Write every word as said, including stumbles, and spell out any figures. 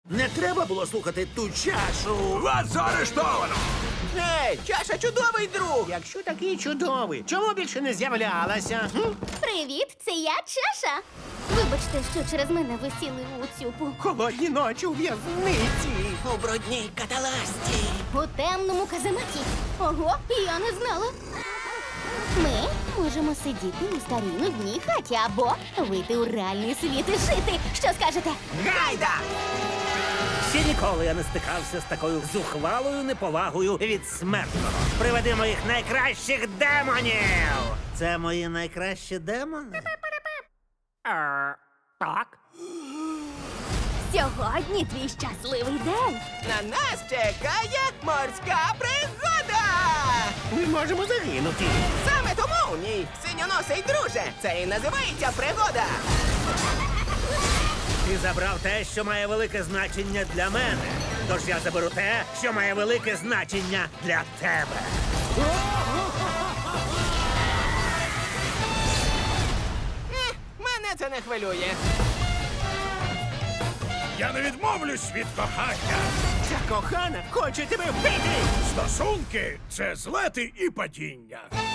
Не треба було слухати ту чашу. Вас заарештовано! Ей, чаша чудовий друг! Якщо такий чудовий, чому більше не з'являлася? Хм? Привіт, це я, Чаша. Вибачте, що через мене ви сіли у цюпу. Холодні ночі у в'язниці. У брудній каталасті. У темному казематі. Ого, я не знала. Ми можемо сидіти у старій нудній хаті або вийти у реальний світ і жити. Що скажете? Гайда! Ще ніколи я не стикався з такою зухвалою неповагою від смертного. Приведи моїх найкращих демонів! Це мої найкращі демони? Е, Так. Сьогодні твій щасливий день. На нас чекає морська пригода! Ми можемо загинути. Саме тому, мій синьоносий друже, це і називається пригода! Ти забрав те, що має велике значення для мене. Тож я заберу те, що має велике значення для тебе. Ех, мене це не хвилює. Я не відмовлюсь від кохання. Ця кохана хоче тебе вбити! Стосунки це злети і падіння.